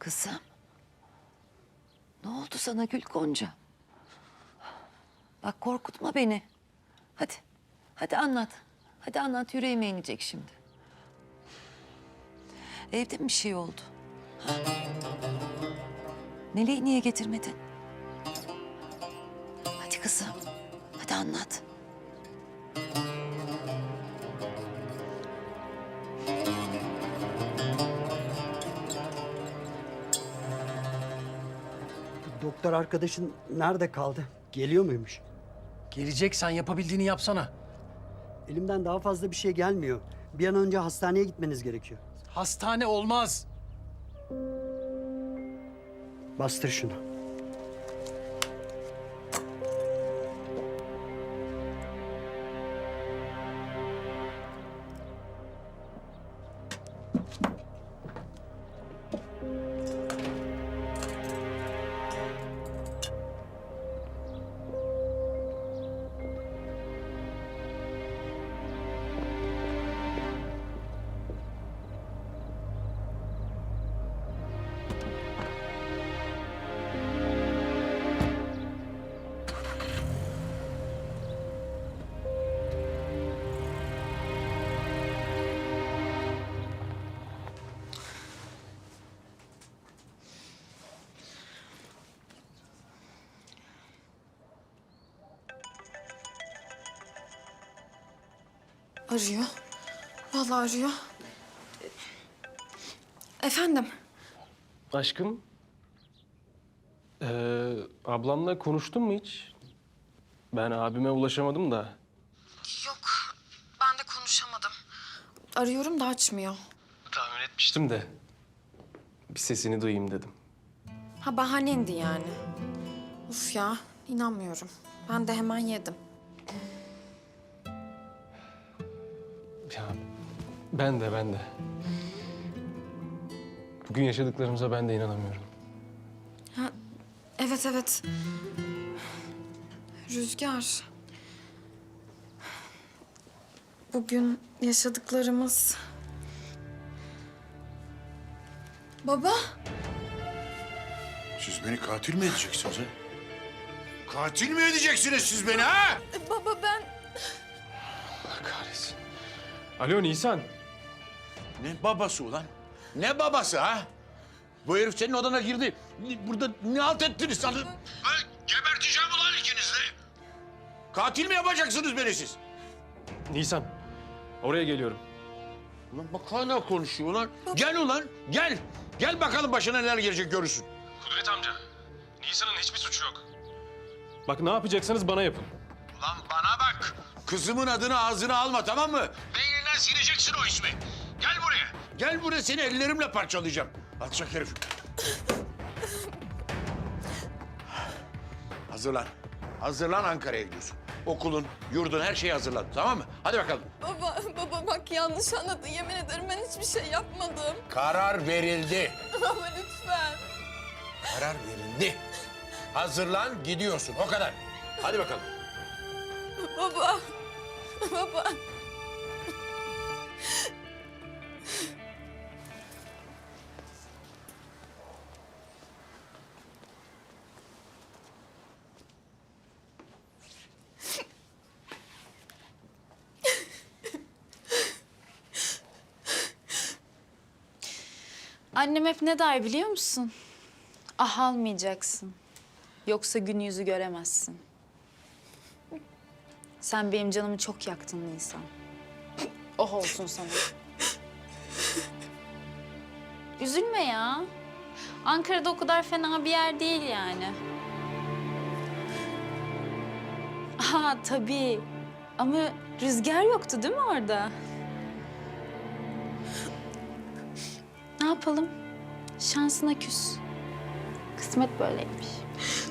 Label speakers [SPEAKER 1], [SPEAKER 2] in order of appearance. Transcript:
[SPEAKER 1] Kızım. Ne oldu sana Gül Gonca? Bak korkutma beni. Hadi. Hadi anlat. Hadi anlat, yüreğime inecek şimdi. Evde mi bir şey oldu? Ha? Meleği niye getirmedin? Hadi kızım. Hadi anlat.
[SPEAKER 2] Doktor arkadaşın nerede kaldı? Geliyor muymuş?
[SPEAKER 3] Gelecek, sen yapabildiğini yapsana.
[SPEAKER 2] Elimden daha fazla bir şey gelmiyor. Bir an önce hastaneye gitmeniz gerekiyor.
[SPEAKER 3] Hastane olmaz.
[SPEAKER 2] Bastır şunu.
[SPEAKER 4] Arıyor. Vallahi arıyor. Efendim?
[SPEAKER 5] Aşkım, ablamla konuştun mu hiç? Ben abime ulaşamadım da.
[SPEAKER 4] Yok, ben de konuşamadım. Arıyorum da açmıyor.
[SPEAKER 5] Tahmin etmiştim de. Bir sesini duyayım dedim.
[SPEAKER 4] Ha bahanendi yani. Uf ya, inanmıyorum. Ben de hemen yedim.
[SPEAKER 5] Ya ben de. Bugün yaşadıklarımıza ben de inanamıyorum.
[SPEAKER 4] Ha, evet. Rüzgar. Bugün yaşadıklarımız... Baba.
[SPEAKER 6] Siz beni katil mi edeceksiniz ha? Katil mi edeceksiniz siz beni ha?
[SPEAKER 4] Baba ben...
[SPEAKER 5] Allah kahretsin. Alo Nisan.
[SPEAKER 6] Ne babası ulan? Ne babası ha? Bu herif senin odana girdi. Burada ne halt ettiniz sanırım? Geberteceğim ulan ikinizi de. Katil mi yapacaksınız beni siz?
[SPEAKER 5] Nisan, oraya geliyorum.
[SPEAKER 6] Ulan bak hala konuşuyor ulan. Gel ulan, gel. Gel bakalım başına neler gelecek görürsün.
[SPEAKER 5] Kudret amca, Nisan'ın hiçbir suçu yok. Bak ne yapacaksanız bana yapın.
[SPEAKER 6] Ulan bana bak. Kızımın adını ağzına alma, tamam mı? Beyninden sileceksin o ismi. Gel buraya. Gel buraya, seni ellerimle parçalayacağım. Alçak herif. Hazırlan. Hazırlan, Ankara'ya gidiyorsun. Okulun, yurdun, her şeyi hazırlan, tamam mı? Hadi bakalım.
[SPEAKER 4] Baba bak yanlış anladın. Yemin ederim ben hiçbir şey yapmadım.
[SPEAKER 6] Karar verildi.
[SPEAKER 4] Baba lütfen.
[SPEAKER 6] Karar verildi. Hazırlan, gidiyorsun. O kadar. Hadi bakalım.
[SPEAKER 4] Baba.
[SPEAKER 7] Annem hep ne der biliyor musun? Ah almayacaksın. Yoksa gün yüzü göremezsin. Sen benim canımı çok yaktın Nisan. Oh olsun sana. Üzülme ya. Ankara'da o kadar fena bir yer değil yani. Aa tabii. Ama Rüzgar yoktu değil mi orada? Ne yapalım? Şansına küs. Kısmet böyleymiş.